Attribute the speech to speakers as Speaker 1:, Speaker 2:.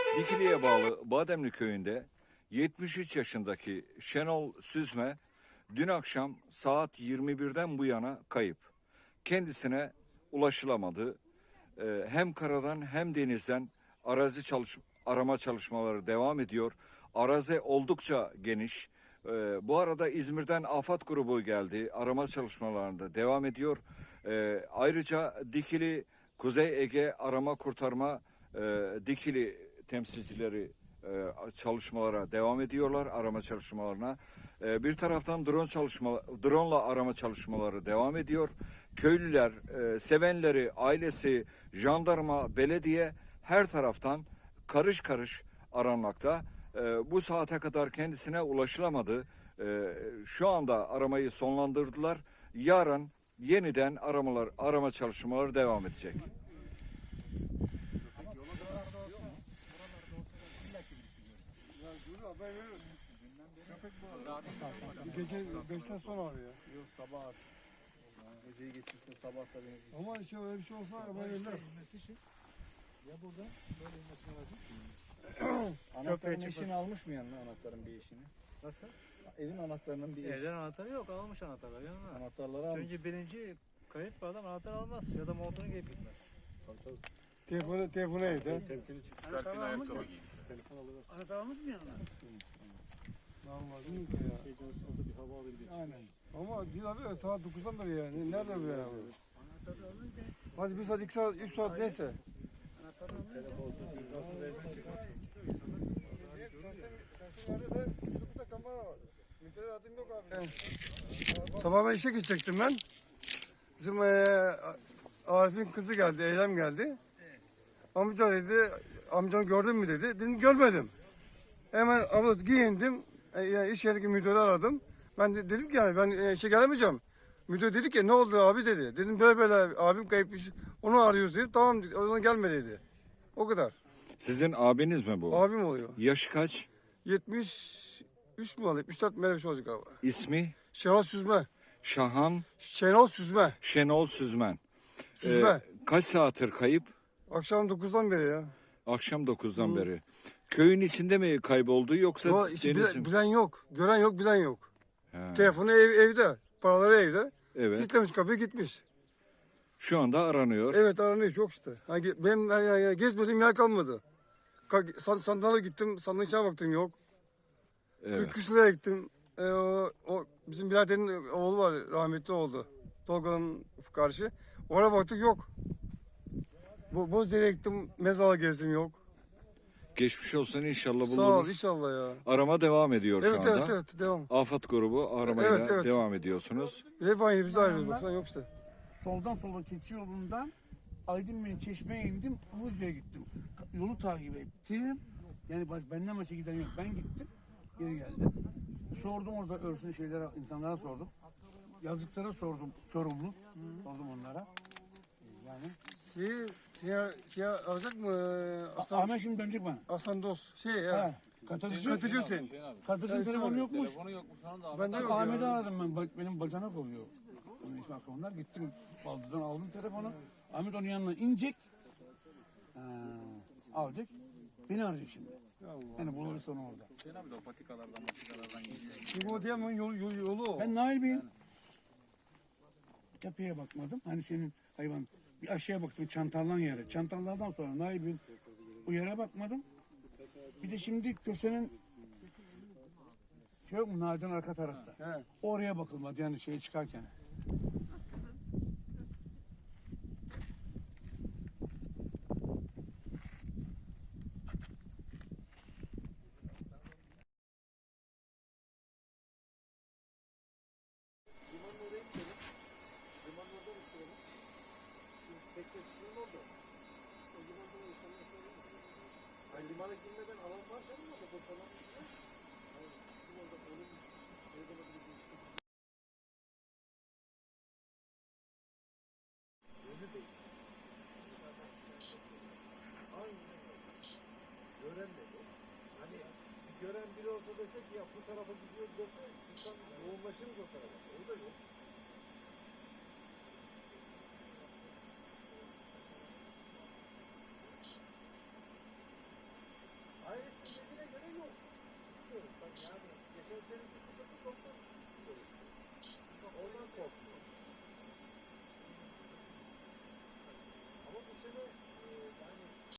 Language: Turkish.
Speaker 1: Dikili'ye bağlı Bademli köyünde 73 yaşındaki Şenol Süzme dün akşam saat 21'den bu yana kayıp. Kendisine ulaşılamadı. Hem karadan hem denizden arama çalışmaları devam ediyor. Arazi oldukça geniş. Bu arada İzmir'den AFAD grubu geldi. Arama çalışmalarında devam ediyor. Ayrıca Dikili Kuzey Ege Arama Kurtarma Dikili temsilcileri çalışmalara devam ediyorlar, arama çalışmalarına. Bir taraftan drone'la arama çalışmaları devam ediyor. Köylüler, sevenleri, ailesi, jandarma, belediye her taraftan karış karış aranmakta. Bu saate kadar kendisine ulaşılamadı. Şu anda aramayı sonlandırdılar. Yarın yeniden arama çalışmaları devam edecek.
Speaker 2: Gece 5'ten sonra arıyor.
Speaker 3: Yok sabah at. Geceyi geçirsin sabah da beni.
Speaker 2: Ama işte öyle bir şey olsa haber verirler.
Speaker 4: Ya burada böyle inmesi lazım.
Speaker 3: Anahtarın eşini almış mı yanına anahtarın bir eşini?
Speaker 4: Nasıl?
Speaker 3: Evin anahtarının bir eşi.
Speaker 4: Evden anahtarı yok, almış anahtarları yanına.
Speaker 3: Anahtarları almış.
Speaker 4: Çünkü birinci kayıp bir adam anahtar almaz ya da montunu giyip gitmez.
Speaker 2: Telefonu evde.
Speaker 5: Skalpin ayakkabı giy.
Speaker 4: Anahtar almış mı yanına?
Speaker 2: Normal değil mi ya?
Speaker 4: Bir hava alır bir.
Speaker 3: Aynen.
Speaker 2: Ama değil abi saat 9'dan beri yani. Nerede bu ya? Hadi 1 saat, 2 saat, 3 saat neyse. Sabah ben işe gidecektim ben. Bizim Arif'in kızı geldi, Eylem geldi. Amca dedi, amcanı gördün mü dedi. Dedim görmedim. Hemen abla giyindim. İş yerindeki müdürü aradım. Ben dedim ki yani ben işe gelemeyeceğim. Müdür dedi ki ne oldu abi dedi. Dedim böyle abim kayıpmış. Onu arıyoruz dedim. Tamam o zaman gelme dedi. O kadar.
Speaker 1: Sizin abiniz mi bu?
Speaker 2: Abim oluyor.
Speaker 1: Yaşı kaç?
Speaker 2: 73 mi oluyor? 74 mi öyle bir şey olacak galiba.
Speaker 1: İsmi?
Speaker 2: Şenol Süzme.
Speaker 1: Şahan
Speaker 2: Şenol Süzme.
Speaker 1: Şenol Süzmen.
Speaker 2: Süzme.
Speaker 1: Kaç saattir kayıp?
Speaker 2: Akşam 9'dan beri ya.
Speaker 1: Akşam 9'dan beri. Köyün içinde mi kayboldu yoksa
Speaker 2: Ama işte
Speaker 1: denizin?
Speaker 2: bilen yok. Gören yok, bilen yok.
Speaker 1: He.
Speaker 2: Telefonu evde. Paraları evde.
Speaker 1: Evet.
Speaker 2: Kilitlemiş kapıyı gitmiş.
Speaker 1: Şu anda aranıyor.
Speaker 2: Evet aranıyor çok işte. Benim gezmediğim yer kalmadı. Sandalye gittim, sandalye içine baktım yok.
Speaker 1: Evet.
Speaker 2: Kışla'ya gittim. O bizim biraderin oğlu var, rahmetli oldu. Tolga'nın karşı. Oraya baktık yok. Bozdere'ye gittim, mezala gezdim yok.
Speaker 1: Geçmiş olsun, inşallah bulunur.
Speaker 2: Sağ ol inşallah ya.
Speaker 1: Arama devam ediyor
Speaker 2: Evet
Speaker 1: şu anda.
Speaker 2: evet devam.
Speaker 1: AFAD grubu aramayla
Speaker 2: Evet.
Speaker 1: devam ediyorsunuz.
Speaker 2: Hep aynı biz ayrılıyoruz baksana yok işte.
Speaker 6: Soldan sola keçi yolundan Aydın Bey'in Çeşme'ye indim, Ilıca'ya gittim. Yolu takip ettim. Yani benden başka giden yok. Ben gittim, geri geldim. Sordum orada örsün şeylere, insanlara sordum. Yazıklara sordum, Çorumlu. Sordum onlara. Yani.
Speaker 2: Şey alacak mı?
Speaker 6: Ahmet şimdi dönecek bana.
Speaker 2: Aslan dost. Katıcı Hüseyin.
Speaker 6: Katıcı'nın telefonu yokmuş.
Speaker 5: Telefonu yokmuş şu anda.
Speaker 2: Ben de yok
Speaker 6: Ahmet'i
Speaker 2: ya.
Speaker 6: aradım ben, benim bacanak oluyor. Onun ismi onlar. Gittim, baldızdan aldım telefonu. Ahmet onun yanına inecek. Alacak. Beni arayacak şimdi. Yani buluruz onu orada.
Speaker 5: Hüseyin abi de o patikalardan geliyor.
Speaker 2: Çünkü o diyemem yolu o.
Speaker 6: Ben Nail Bey'in tepeye bakmadım. Hani senin hayvan bir aşağıya baktım çantallan yere. Çantallardan sonra Nail Bey'in o yere bakmadım. Bir de şimdi kösenin şey yok mu Nail'den arka tarafta.
Speaker 2: He.
Speaker 6: Oraya bakılmadı yani şeye çıkarken.
Speaker 2: Limana girmeden alan var değil mi? Gören dedi. Hani gören biri olsa dese ki ya bu tarafa gidiyoruz dese insan yoğunlaşırız o tarafa.